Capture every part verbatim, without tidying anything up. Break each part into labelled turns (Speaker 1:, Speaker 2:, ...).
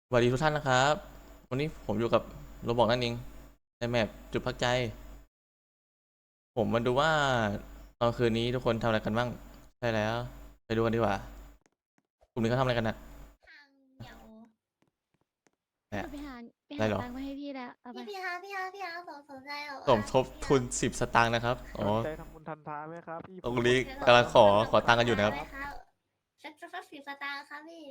Speaker 1: สวัสดีทุกท่านนะครับวันนี้ผมอยู่กับโรบอกนั่นเองในแมปจุดพักใจผมมาดูว่าตอนคืนนี้ทุกคนทำอะไรกันบ้างใช่แล้วไปดูกันดีกว่ากลุ่มนี้เขาทำอะไรกันนะ
Speaker 2: ทางเดียว
Speaker 1: แหม
Speaker 3: หนูไปหาไป
Speaker 1: อะไรหรอ
Speaker 3: หาตังค์มาให้พี่แล้วเอาไป
Speaker 2: พี่พี่ฮะพี่ฮะพี่ฮะสนสนใจเหรอ
Speaker 1: สม
Speaker 2: ว่า
Speaker 1: ทบ
Speaker 2: พี่ฮะ
Speaker 1: ทุนสิบสตางค์นะครับอ๋อ
Speaker 4: สนใจทำบุญทันท้าไหมครับพี่
Speaker 1: ตรง
Speaker 4: ผม
Speaker 1: นี้
Speaker 2: เดี๋ยว
Speaker 1: กำลังขอขอตังค์กันอยู่นะครับ
Speaker 2: ไหมครับสักสักสักสิบสตางค์ครับพี่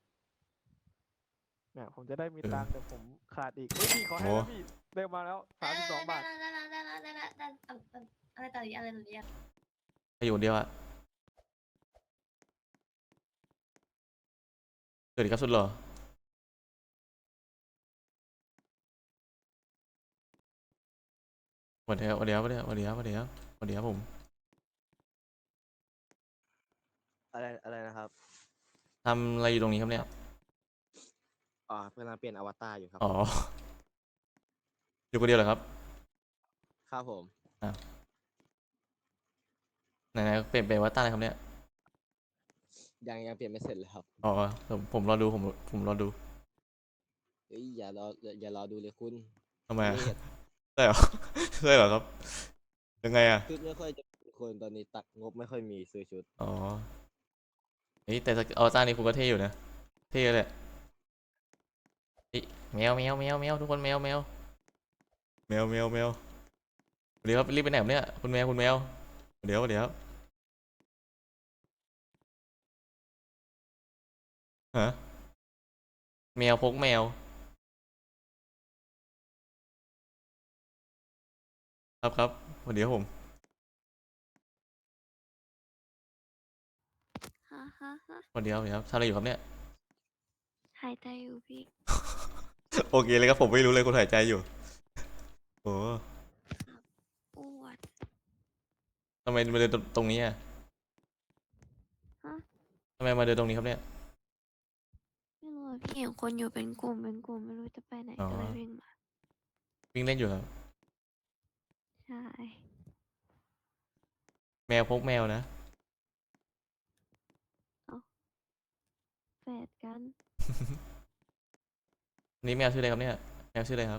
Speaker 4: เนี่ยผมจะได้มี
Speaker 1: เออ
Speaker 4: ตังค์เดี๋ยวผมขาดอีกเฮ้ยพี่ขอให้
Speaker 1: โอ้
Speaker 4: แล้วพี่เร็วมาแล้วสามสิบสองบาท
Speaker 2: ได้แล้วได้แล้วได้แล้วได้แล้วได้แล้วอะไรต่ออีกอะไรต่ออีก
Speaker 1: ไปอยู่คนเดียวอะเกิดอีกครับสุดหรอสวัสดีครับสวัสดีครับสวัสดีครับสวัสดีครับสวัสดีครับผม
Speaker 5: อะไรอะไรนะครับ
Speaker 1: ทำอะไรอยู่ตรงนี้ครับเนี่ย
Speaker 5: อ่ากำลังเปลี่ยนอวตารอยู่ครับ
Speaker 1: อ๋ออยู่คนเดียวเหรอครับ
Speaker 5: ครับผม
Speaker 1: อ่ะไหนๆเปลี่ยนเป็นวัตตาอะไรครับเนี่ย
Speaker 5: ยังยังเปลี่ยนไม่เสร็จเลยครับ
Speaker 1: อ๋อผมผมรอดูผมผมรอดู
Speaker 5: เฮ้ยอย่ารออย่าอย่ารอดูเลยคุณ
Speaker 1: ทำไมอะ
Speaker 5: นี่
Speaker 1: ใช่เหรอ ใช่เหรอครับยังไงอะ
Speaker 5: ชุดไม่ค่อยจะมีคนตอนนี้ตักงบไม่ค่อยมีซื้อชุด
Speaker 1: อ๋อเฮ้ยแต่อวตารนี่คุณก็เท่อยู่นะเท่เลยเฮ้ยแมวแมวแมวแมวทุกคนแมวแมวแมวแมวแมวเดี๋ยวครับรีบไปไหนครับเนี่ยคุณแมวคุณแมวเดี๋ยวเดี๋ยวฮะแมวพกแมวครับครับเดี๋ยวผม
Speaker 3: ฮะฮะฮะ
Speaker 1: เดี๋ยวเดี๋ยวทำอะไรอยู่ครับเนี่ย
Speaker 3: หายใจอยู่พี่
Speaker 1: โอเคเลยครับผมไม่รู้เลยคุณหายใจอยู่โอ้
Speaker 3: อ้วน
Speaker 1: ทำไมมาเดินตรงนี้อะ
Speaker 3: ฮะ
Speaker 1: ทำไมมาเดินตรงนี้ครับเนี่ย
Speaker 3: ไม่รู้อะพี่เห็นคนอยู่เป็นกลุ่มเป็นกลุ่มไม่รู้จะไปไหน
Speaker 1: อ๋อ
Speaker 3: ก็เลยวิ่งมา
Speaker 1: วิ่งเล่นอยู่ครับ
Speaker 3: ใช่
Speaker 1: แมวพกแมวนะ
Speaker 3: แฝดกัน
Speaker 1: นี่แมวชื่ออะไรครับเนี่ยแมวชื่ออะไรครับ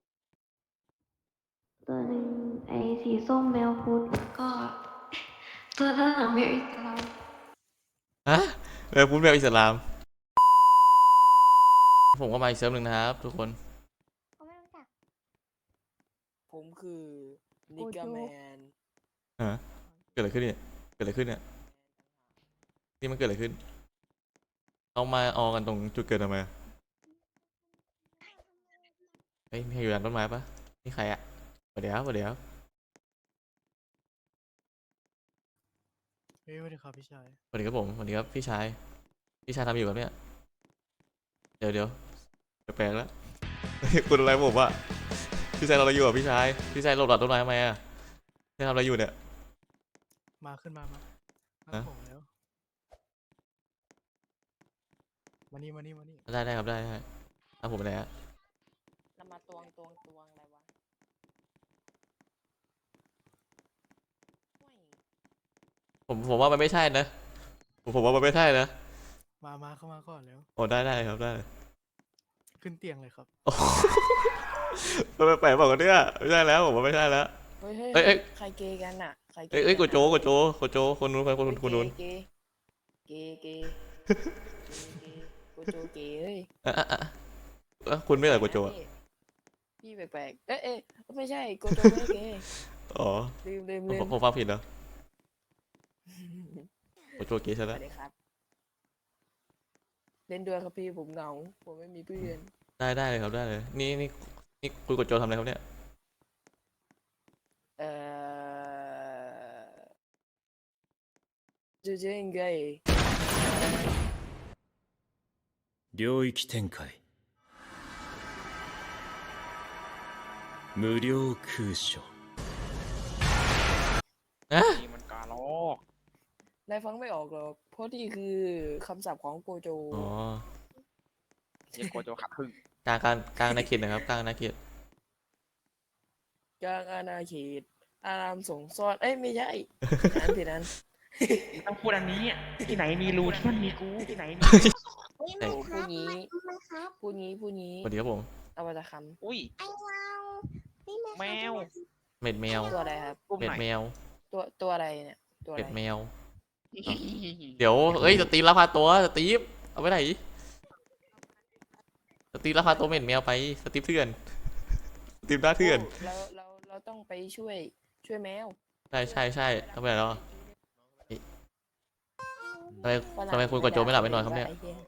Speaker 3: ตัวหนึ่งไอ้สีส้มแมวพุดก็ ตัวด้านหลังแมวอิสลาม
Speaker 1: ฮะแมวพุดแมวอิสลามผมก็มาอีกเซิร์ฟหนึ่งนะครับทุกคน
Speaker 2: เขาไม่รู้จัก
Speaker 6: ผมคือนิกาแมน
Speaker 1: ฮะเกิดอะไรขึ้นเนี่ยเกิดอะไรขึ้นเนี่ยนี่มันเกิดอะไรขึ้นเอามาออกันตรงจุดเกิดทำไมเฮ้ยมีใครอยู่หลังต้นไม้ปะนี่ใครอะสวัสดีครับสวัสดีครับ
Speaker 4: เฮ้ยสวัสดีครับพี่ชาย
Speaker 1: สวัสดีครับผมสวัสดีครับพี่ชายพี่ชายทำอยู่กับเนี่ยเดี๋ยวเดี๋ยวแปลกๆแล้ว คุณอะไรผมวะพี่ชายเราอะไรอยู่อ่ะพี่ชายพี่ชายหลบหลังต้นไม้ทำไมอ่ะพี่ทำอะไรอยู่เนี่ย
Speaker 4: มาขึ้นมามามา
Speaker 1: ฮะ
Speaker 4: ผมแล้วมานี่มานี่มานี่
Speaker 1: ได้ได้ครับได้ได้ครับผมไปไหนฮะ
Speaker 6: แล้วมาตวงตวงตวงอะไรวะห่วย
Speaker 1: ผมผมว่ามันไม่ใช่นะผมผมว่ามันไม่ใช่นะ
Speaker 4: มามาเข้ามาก่อนแล้ว
Speaker 1: โอ้ได้ได้ครับได้
Speaker 4: ขึ้นเตียงเลยครับ
Speaker 1: โอ้ มันแปลกๆบอกกันเนี่ยไม่ใช่แล้วผมว่าไม่ใช่แล้ว
Speaker 6: เฮ้ยเฮ้ย
Speaker 1: เอ้ยเอ้ย
Speaker 6: ใครเกย์กันอ่ะใครเก
Speaker 1: เอ้ย
Speaker 6: ย์
Speaker 1: เอ้ย
Speaker 6: กั
Speaker 1: กู
Speaker 6: น
Speaker 1: โจ
Speaker 6: อะ
Speaker 1: กูโจกูโจคนนู้นคนคนคนคนนู้น
Speaker 6: เกย์เกย์เกย์เกย์กูโจเกย์เฮ้ย
Speaker 1: อ่ะอ่ะอ่ะอ่ะคุณไม่เหรอกูโจอ่ะ
Speaker 6: พี่แปลกๆเอ้ยเอ้ยไม่ใช่กูโจไม่เกย์
Speaker 1: อ๋อ
Speaker 6: ลืมลืม
Speaker 1: ผม
Speaker 6: ลืม
Speaker 1: ผมฟังผิดเหรอกูโจเก๋ใช่
Speaker 6: ส
Speaker 1: แล้ว
Speaker 6: วัสดีครับ เล่นด้วยครับพี่ผมเหงาผมไม่มีเพื่อน
Speaker 1: ได้ได้เลยครับได้เลยนี่นี่นี่คุณกูโจทำอะไรครับเนี่ย
Speaker 6: เอ่อจูเจนไง
Speaker 7: 領域展開無料空所
Speaker 1: นะ
Speaker 4: นี่มันการลอก
Speaker 6: นายฟังไม่ออกหรอกเพราะนี่คือคำศัพท์ของโกโจ
Speaker 1: อ๋อ
Speaker 4: เรียกโกโจขัดพึ่ง
Speaker 1: กลางกลางกลางนาเขตนะครับกลางนาเขต
Speaker 6: กลางอาณาเขตอารามสงฆ์ซ่อนเอ้ยไม่ใช่ นั้นผิดนั้น
Speaker 8: ต้องพูดอันนี้อะที่ไหนมีรูที่นั่นมีกูที่ไหนมี
Speaker 2: อุ้ย
Speaker 1: เอ้
Speaker 2: ไม่
Speaker 1: ย
Speaker 2: ครับ
Speaker 6: พูดงี้
Speaker 2: ไม่ไม่ครับ
Speaker 6: พูดงี้พูดงี้
Speaker 1: สวัสดีครับผม
Speaker 6: เอาวัตค
Speaker 4: อุ้ย
Speaker 2: ไอ้เรานี่ไม่
Speaker 4: แมว
Speaker 1: เม็ดแมว
Speaker 6: ำตัวอะไรครับ
Speaker 4: กลุ่ม
Speaker 1: เม็ด
Speaker 4: ไหน
Speaker 1: แมว
Speaker 6: ตัวตัวอะไรเนี่ย ตัวอะ
Speaker 1: เม็
Speaker 6: ไร
Speaker 1: ดแมว เดี๋ยวเอ้ยสตีฟลักพาตัวสตีฟเอาไปไหนสตีฟลักพาตัวเม็ดแมวไปสตีฟเถื่อนสตีฟหน้าเถื่อน
Speaker 6: เราเราเราต้องไปช่วยช่วยแมว
Speaker 1: ใช่ใช่ใช่ทำไมแล้วทำไม
Speaker 6: ฝรั่ง
Speaker 1: ทำไมคุณกดโจไม่หลับไม่นอนครับเนี่ย
Speaker 6: ว่าไหี้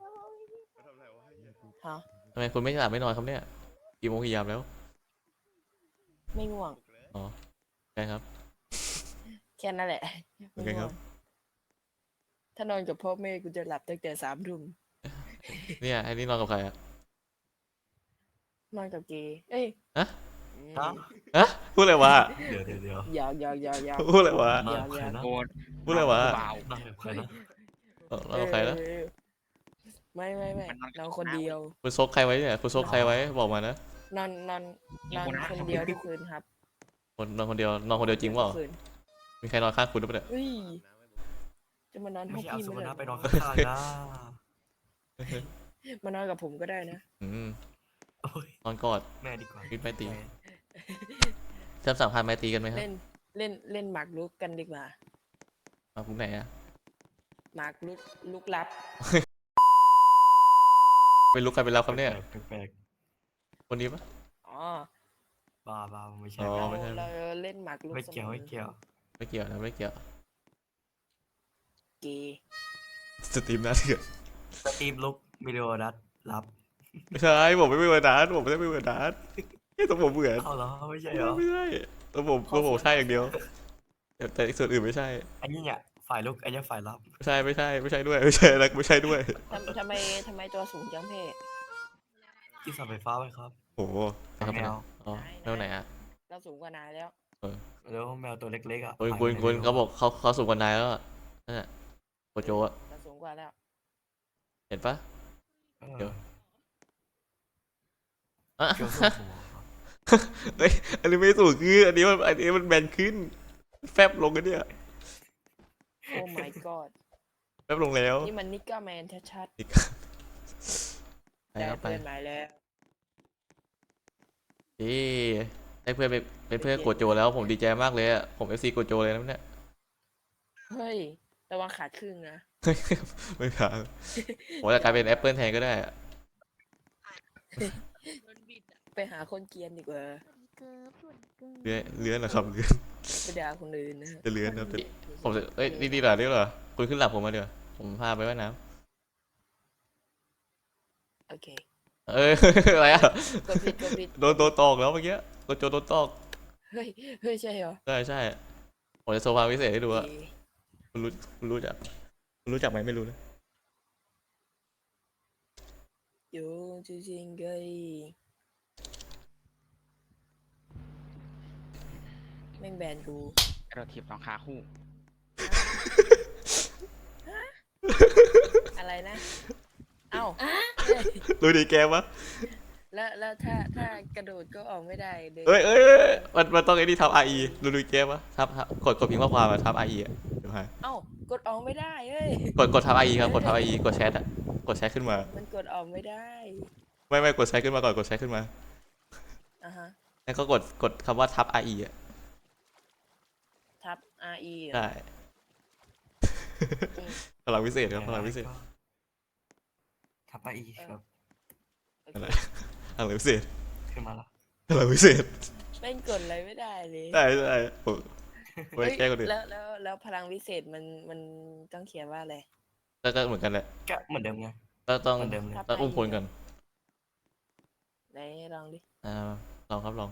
Speaker 6: ฮะ
Speaker 1: ทำไมคุณไม่หลับไม่นอนครับเนี่ยกี่โมงกี่ยามแล้ว
Speaker 6: ไม่ง่วง
Speaker 1: ใช่ครับ
Speaker 6: แค่นั้นแหละ
Speaker 1: โอเคครับ
Speaker 6: ถ้านอนกับพ่อแม่กูจะหลับตั้งแต่สามทุ่ม
Speaker 1: เนี่ยไอ้นี่นอนกับใครอะ
Speaker 6: นอนกับเกย์เอ้ย
Speaker 1: ฮะ
Speaker 6: อืม
Speaker 1: ฮะพูดอะไรวะ
Speaker 8: เดี๋ยวเดี๋ยวเดี๋ยว
Speaker 6: หยอกหยอกหยอกหยอก
Speaker 1: พูดอะไรวะ
Speaker 8: นอนกับใครนะ
Speaker 4: โกน
Speaker 1: พูดอะไรวะ
Speaker 4: เบา
Speaker 8: นั่งกับใครนะ
Speaker 1: เออนอนกับใครนะ
Speaker 6: เออไม่ไม่ไม่
Speaker 4: มันนอนกับ
Speaker 6: นอนคนเดียว
Speaker 1: คุณซกใครไว้เนี่ยคุณซกใครไว้บอกมานะ
Speaker 6: นอนนอนนอนคนเดียวทุกคืนครับ
Speaker 1: คนนอนคนเดียวนอนคนเดียวจริงเปล่า
Speaker 6: ทุกคืน
Speaker 1: มีใครนอนข้างคุณหรือเปล่าเนี่ย
Speaker 6: เฮ้ยจะมานอนห้
Speaker 8: ไม่
Speaker 6: อง
Speaker 8: ใช่เอา
Speaker 6: พี่
Speaker 8: สุ
Speaker 6: ไม่
Speaker 8: วรรณ
Speaker 6: ได้
Speaker 8: ไปนอนข้างๆนะ
Speaker 6: มานอนกับผมก็ได้นะ
Speaker 1: อืม
Speaker 8: โอ้ย
Speaker 1: นอนกอด
Speaker 8: แม่ดีกว่า
Speaker 1: คิดไม่ตี
Speaker 8: แม่
Speaker 1: เชื่อมสัมพันธ์ไมตรีกันไหมครับ
Speaker 6: เล่นเล่นเล่นหมากรุกกันดีกว่า
Speaker 1: มาคุณไหนอะ
Speaker 6: หมากรุกลุกลับ
Speaker 1: เป็นลุกใครเป็นเราครับเนี่ย
Speaker 8: แปลก
Speaker 1: คนนี้ปะ
Speaker 6: อ๋อ
Speaker 8: ๆบ้าบ้าไม่ใช่
Speaker 1: อ๋อ
Speaker 6: เรา
Speaker 1: ไม่ใช่
Speaker 6: เราเล่นหมากรุก
Speaker 8: ไม่เกี่ยว
Speaker 6: สอ
Speaker 8: ไม่เกี่ยว
Speaker 1: ไม่เกี่ยวนะไม่เกี่ยว
Speaker 6: เกย์
Speaker 1: สตรีมหน้าเถื่อน
Speaker 8: สตีฟลุกวิดีโอนัดรับ
Speaker 1: ไม่ใช่ผมไม่เป็นวันนั้นผมไม่ได้เป็นวันนั้นไอ้ตัวผมเหมือน
Speaker 8: เอาเหรอไม่ใช่เหรอ
Speaker 1: ไม่ใช่ตัวผมตัวผมใช่อย่างเดียวแต่แต่ส่วนอื่นไม่ใช่
Speaker 8: อันนี้เนี่ยฝ่ายลุกอันนี้ฝ่ายรับ
Speaker 1: ไม่ใช่ไม่ใช่ไม่ใช่ด้วยไม่ใช่แล้วไม่ใช่ด้วย
Speaker 6: ทำทำไมทำไมตัวสูงจังเพ่
Speaker 8: ที่เสาไฟฟ้าไว้ครับ
Speaker 1: โอ้โหนะครับ
Speaker 8: แมว
Speaker 1: อ๋อแมวไหนอะ
Speaker 6: เราสูงกว่านายแล้ว
Speaker 8: แล้วแมวตัวเล็กๆอ่ะ
Speaker 1: คุณคุณคุณเขาบอกเขาเขาสูงกว่านายแล้วอะนั่นแหละโกโจอะ
Speaker 6: เราสูงกว่าแล้ว
Speaker 1: เห็นปะ
Speaker 8: เออ
Speaker 1: เดี๋ยว อ่ะ
Speaker 8: เกี่ยวกับหัวครับ
Speaker 1: เฮ้ยอันนี้ไม่สูงคืออันนี้มันอันนี้มันแบนขึ้น แฟบลงกันเนี่ย
Speaker 6: โอ้ my god
Speaker 1: แฟบลงแล้ว
Speaker 6: นี่มันนิกก้าแมนชัด
Speaker 1: อีก
Speaker 6: ๆ
Speaker 1: ไป
Speaker 6: ได้
Speaker 1: ครับไป
Speaker 6: เพื่อนมาแล้ว
Speaker 1: เอ้ได้เพื่อนเป็นเป็นเพื่อนโกโจแล้วผมดีใจมากเลยอะผมเอฟซีโกโจเลยนะเนี่ย
Speaker 6: เฮ้ยระวังขาดครึ่งนะ
Speaker 1: ไม่ถามผมจะกลายเป็นแอปเปิลแทนก็ได้อะ
Speaker 6: ไปหาคนเกรียนดีกว่า
Speaker 2: เกิร์ฟส่วนเกิร์ฟ
Speaker 1: เลื้อนเลื้อนนะครับเลื้อน
Speaker 6: ไปด่าคนอื่นนะ
Speaker 1: จะเลื้อนนะแต่ผมจะเอ้ยนี่ดีเหรอนี่เหรอคุณขึ้นหลับผมมาเดี๋ยวผมพาไปว่ายน้
Speaker 6: โอเค
Speaker 1: ำเอ้ย อะไรอะ
Speaker 6: กดผิดกดผิด
Speaker 1: โดนโดนตอกแล้วเมื่อกี้โกโจโดนตอก
Speaker 6: เฮ้ยเฮ้ยใช่เหรอ
Speaker 1: ใช่ใช่ผมจะโซฟาพิเศษให้ดูอะ
Speaker 6: เอ๊ะ
Speaker 1: คุณรู้คุณรู้จักคุณรู้จักไหมไม่รู้นะ
Speaker 6: อยู่จริงๆเลยแม่งแบนกู
Speaker 4: เราถีบสองขาคู่
Speaker 6: อะไรนะ เอ้า
Speaker 1: รู้ดีแกปะ
Speaker 6: แล้วแล้วถ้าถ้ากระโดดก็ออกไม่ได้เลย
Speaker 1: เอ้ยเอ้ยเอ้ยมันมันต้องไอ้นี่ทับ R E รู้ดีแกปะทับทับกดกดพิมพ์ข้อความมาทับ R E อะเดี๋ยวให้
Speaker 6: เอ้ากดออกไม่ได้เอ้ย
Speaker 1: กดกดทับ R E ครับกดทับ R E กดแชทอะกดแชทขึ้นมา
Speaker 6: มันกดออกไม่ได้
Speaker 1: ไม่ไม่กดแชทขึ้นมาก่อนกดแชทขึ้นมา
Speaker 6: อ่ะฮะ
Speaker 1: แล้วก็กดกดคำว่าทับ R E อะ
Speaker 6: ทับ R E เหรอ
Speaker 1: ได้
Speaker 6: อืม
Speaker 1: พลังพิเศษครับพลังพิเศษ
Speaker 8: ทับไปอีกครับ
Speaker 6: โอเค
Speaker 1: อะไรพลังพิเศษ
Speaker 8: ขึ้นมาละ
Speaker 1: พลังพิเศษ
Speaker 6: แม่งกดอะไรไม่ได้เลย
Speaker 1: ได้ได้ผมไว้
Speaker 6: เฮ้ย
Speaker 1: แก้คนอื่น
Speaker 6: แล้วแล้วแล้วพลังวิเศษมันมันต้องเขียนว่าอะไร
Speaker 1: แล้วก็เหมือนกันแหละ
Speaker 8: ก็เหมือนเดิมไง
Speaker 1: ก็ต้อง
Speaker 8: เหมือนเดิมเลย
Speaker 6: ทับ
Speaker 1: ต้องอุ้มคนก่อน
Speaker 6: ไหนลองดิ
Speaker 1: อ่าลองครับลอง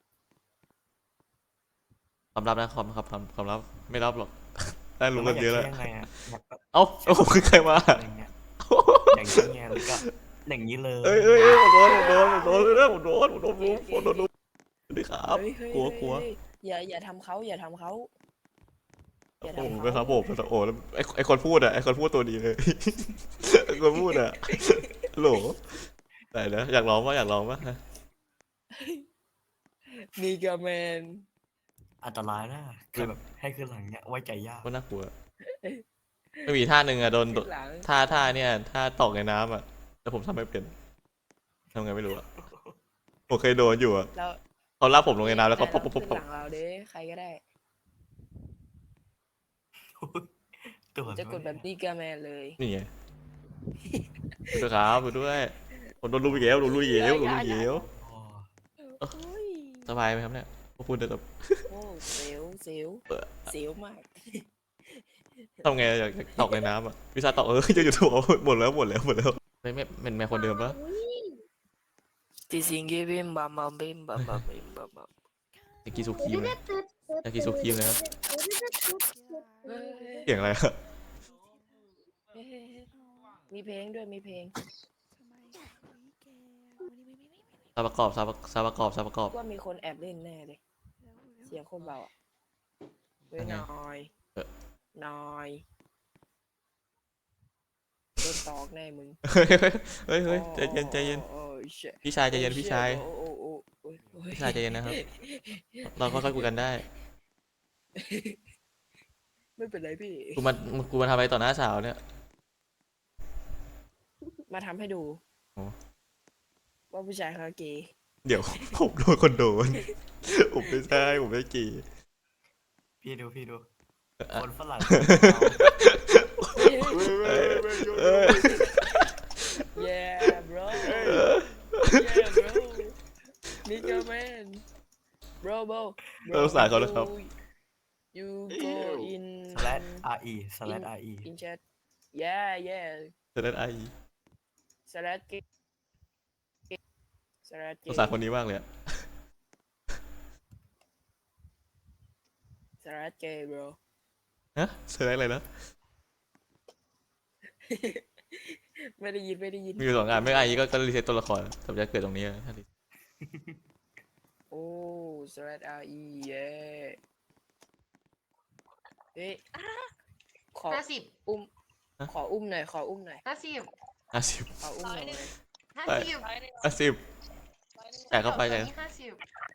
Speaker 1: ความลับนะความครับความความลับไม่รับหรอก ได้รู้กันเยอะแล้ว
Speaker 8: ยังไงอ่ะอยากแบบ
Speaker 1: เอ้าเอ้าผมคือใครมา
Speaker 8: อะไรเงี้ยอย่างเงี้ยแล้วก็อย่างนี้เลย
Speaker 1: เอ้ยเอ้ยเอ้ยผมโดนผมโดนผมโดนเลยนะผมโดนผมโดนรู้ผมโดนรู้สวัสดีครับ
Speaker 6: เฮ้ยเฮ้ย
Speaker 1: กลัว
Speaker 6: เฮ้ย
Speaker 1: กลัว
Speaker 6: เฮ้ยอย่าอย่าทำเขาอย่าทำเขาอย่า
Speaker 1: โอ้
Speaker 6: ทำ
Speaker 1: โห
Speaker 6: เขา
Speaker 1: ไปครับผมโอ้โหแล้วไอไอคนพูดอะไอคนพูดตัวดีเลย ไอคนพูดอะโหลไหนนะอยากร้องปะอยากร้องปะ
Speaker 6: นิกาแมน
Speaker 8: อันตรายนะคือแบบให้ขึ้นหลังเนี้ยไว้ใจยาก
Speaker 1: ว่าน่ากลัวไม่มีท่าหนึ่งอะโดนโด
Speaker 6: ขึ้นหลัง
Speaker 1: ท่าท่าเนี่ยท่าตกในน้ำอะแต่ผมทำไม่เป็นทำไงไม่รู้อะผมเคยโดนอยู่อะ
Speaker 6: เรา
Speaker 1: เขาลากผมลงในน้ำแล้วเขา
Speaker 6: แต่
Speaker 1: ปุ๊บ
Speaker 6: เรา
Speaker 1: ปุ๊บปุ๊บ
Speaker 6: ขึ้น
Speaker 1: ปุ๊บ
Speaker 6: หลังเราเด้ใครก็ได้
Speaker 8: ตัว
Speaker 6: จะกดแบบนี้กาแมนเลย
Speaker 1: นี่ไงดูครับดูด้วยผมโดนลุยอีกแล้วโดนลุยอีกแล้วโดนลุยอีกแล้ว
Speaker 8: โอ้
Speaker 6: โอ้ย
Speaker 1: สบายไหมครับเนี่ยผมพูดเดี๋ยว
Speaker 6: โอ้เสียวเสียวเสียวมาก
Speaker 1: ทำไงอยากตกในน้ำอะวิชาตกเออจะอยู่ถูกหมดแล้วหมดแล้วหมดแล้วไม่ไม่เป็นแม่คนเดิมปะ
Speaker 6: ติสิงเกบิมบัมบัมบิมบัมบัมบิมบัมบัม
Speaker 1: ยากิสุคีมเลยยากิสุคีมเลยครับ
Speaker 6: เฮ้ย
Speaker 1: เสียงอะไรอะ
Speaker 6: เฮ้ยมีเพลงด้วยมีเพลง
Speaker 1: ซาประกอบซาประซาประกอบซาประกอบ
Speaker 6: ว่ามีคนแอบเล่นแน่เลยเสียงคนเบาอ่ะเฮ้ย
Speaker 1: ยังไง
Speaker 6: น้อย
Speaker 1: เออ
Speaker 6: น้อยโดนตอกแน่มึง
Speaker 1: เฮ้ยเฮ้ยเฮ้ยเฮ้ยใจเย็นใจเย็น
Speaker 6: โอ้โอ้ shit
Speaker 1: พี่ชายใจเย็น
Speaker 6: โอ้
Speaker 1: พี่
Speaker 6: shit
Speaker 1: ชาย
Speaker 6: โอ้โอ้โอ้โอ้โอ้
Speaker 1: พี่ชายใจเย็นนะครับ เราค่อยๆคุยกันได้
Speaker 6: ไม่เป็นไรพี่
Speaker 1: กูมากูมาทำอะไรต่อหน้าสาวเนี่ย
Speaker 6: มาทำให้ดู
Speaker 1: โอ้
Speaker 6: ว่าผู้ชายเขาเกย์
Speaker 1: เดี๋ยว ผมโดนคนโดน ผมไม่ใช่ผมไม่กี่
Speaker 8: พี่ดูพี่ดู
Speaker 1: อ่ะ
Speaker 8: คนฝรั่ง
Speaker 1: เออ
Speaker 6: yeah bro yeah bro nigga man bro bro
Speaker 1: เออสงสารเขานะครับ
Speaker 6: you go in
Speaker 8: สแลด re สแลด re
Speaker 6: in chat yeah yeah
Speaker 1: จะได้ไอ
Speaker 6: slash gay slash
Speaker 1: ส
Speaker 6: gay
Speaker 1: งสารคนนี้มากเลยอะ
Speaker 6: slash gay bro
Speaker 1: ฮะเซอร์อะไรนะ
Speaker 6: ไม่ได้ยินไม่ได้ยิน
Speaker 1: มีอยู่สองงานไม่ไอก็ก็รีเซ็ตตัวละครสมจะเกิดตรงนี้อะถ้ารี
Speaker 6: โอ้ slash re yeah เอ๊ะขอ
Speaker 2: ห้าสิบ
Speaker 6: อุ้มขออุ้มหน่อยขออุ้มหน่อย
Speaker 2: ห้าสิบ
Speaker 1: ห้าสิบ
Speaker 6: ขออุ้มหน่อย
Speaker 2: ห้าสิบ
Speaker 1: ห้าสิบแต่เข้าไปเลย
Speaker 2: ห้าสิบ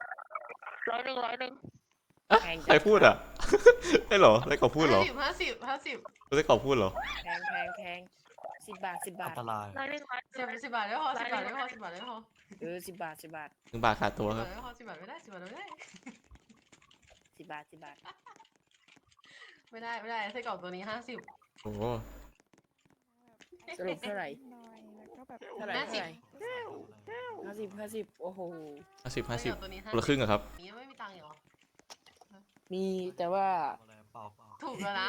Speaker 1: อะใครพูดอ่ะ ได้เหรอได้กอบพูดเหรอ
Speaker 2: ห้าสิบห้าสิบ
Speaker 1: ได้กอบพูดเหรอ
Speaker 6: แพงแพงแพงสิบบาทสิบบา
Speaker 8: อั
Speaker 6: ท
Speaker 8: นตราย
Speaker 2: สิบสิบบาทไม่พอสิบบาทไม่พอสิบบาทไม่พอ
Speaker 6: เออสิบบาทสิบบาท
Speaker 1: หนึ่งบาทขาดตัว
Speaker 2: สิบ
Speaker 1: ครับ
Speaker 2: บาทไม่พอสิบบาทไม่ได้สิบบาทไม่ได้
Speaker 6: สิบบาทสิบบาท
Speaker 2: ไม่ได้ไม่ได้ไส้กรอกตัวนี้ห้าสิบ
Speaker 1: โอ้โห
Speaker 6: สรุปเท่าไหร่เท่าไหร่
Speaker 2: ห้า
Speaker 6: เท่า
Speaker 2: สิบ
Speaker 6: ไหร่ห้าสิบห้าสิบโอ้โห
Speaker 1: ห้าสิบห้าสิบ
Speaker 2: ตัวนี้
Speaker 1: คนละครึ่งอะครับ
Speaker 2: นี้ไม่มีตังค์เหรอ
Speaker 6: มีแต่ว่า
Speaker 8: อะไรเปล่าเปล่า
Speaker 2: ถูกแล้วนะ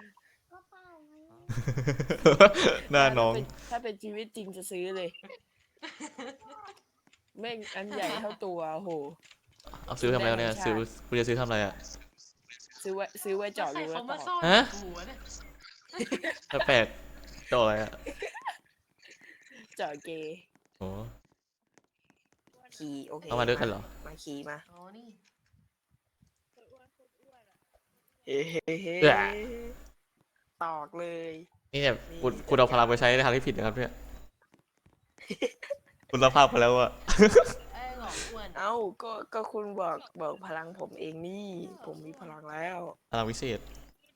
Speaker 1: หน้าน้อง
Speaker 6: ถ้าเป็นชีวิตจริงจะซื้อเลย แม่งอันใหญ่เท่าตัวโอ้โห
Speaker 1: เอาซื้อทำอะไรวะเนี่ยซื้อคุณจะซื้อทำอะไรอ่ะ
Speaker 6: ซื้อไว้ซื้อไว้เจาะ
Speaker 2: ใคร
Speaker 6: รูไว้
Speaker 2: เขา
Speaker 6: ต่
Speaker 2: มา
Speaker 6: อ
Speaker 2: ซ่อน
Speaker 1: ฮะ
Speaker 2: หัวเนี่ย
Speaker 1: แปลกๆจออะไรอ่ะ
Speaker 6: เจาะเกย์
Speaker 1: โอ้
Speaker 6: ขี่โอเค
Speaker 1: เอามาด้วยกันเหรอ
Speaker 6: มาขี่มา
Speaker 2: อ๋อนี่
Speaker 6: เฮ้เฮ้เฮ้
Speaker 1: เอื้อ
Speaker 6: ตอกเลย
Speaker 1: นี่เนี่ยคุณคุณเอาพลังไปใช้ในทางที่ผิดนะครับเนี่ย คุณรับภาพไปแล้วอะ
Speaker 2: ไอ้หลอกอ้วน
Speaker 6: เอ้าก็ก็คุณบอกบอกพลังผมเองนี่ ผมมีพลังแล้ว
Speaker 1: พลังวิเศษ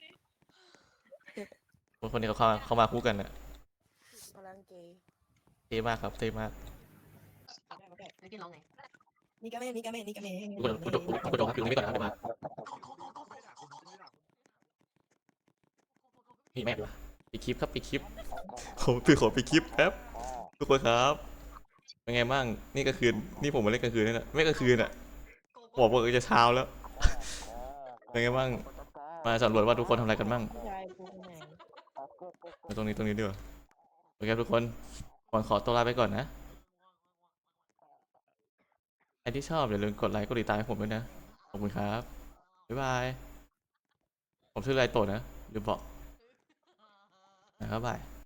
Speaker 1: คนคนนี้เขาเข้าเขามาคู่กันอะ
Speaker 6: พลังเกย์
Speaker 1: เท่มากครับเท่มาก
Speaker 2: ไม่กินร้องไง
Speaker 6: นี่ก็แม่นี่ก็แม่นี่ก็แม่
Speaker 1: คุณคุณคุณคุณครับอยู่ตรงนี้ก่อนนะครับผมมานี่แม่งวะปิดคลิปครับปิดคลิปผมคือขอปิดคลิปแป๊บทุกคนครับเป็นไงบ้างนี่กลางคืนนี่ผมมาเล่นกลางคืนนี่แหละไม่กลางคืนอะบอกว่าจะเช้าแล้ว เป็นไงบ้างมาสำรวจว่าทุกคนทำอะไรกันบ้าง
Speaker 6: ใช่พูดไง
Speaker 1: มาตรงนี้ตรงนี้ดีกว่าโอเคครับทุกคนก่อนขอตัวลาไปก่อนนะใครที่ชอบอย่าลืมกดไลค์กดติดตามให้ผมด้วยนะขอบคุณครับบ๊ายบายผมชื่อไรโตะนะลืมบอกนะครับบาย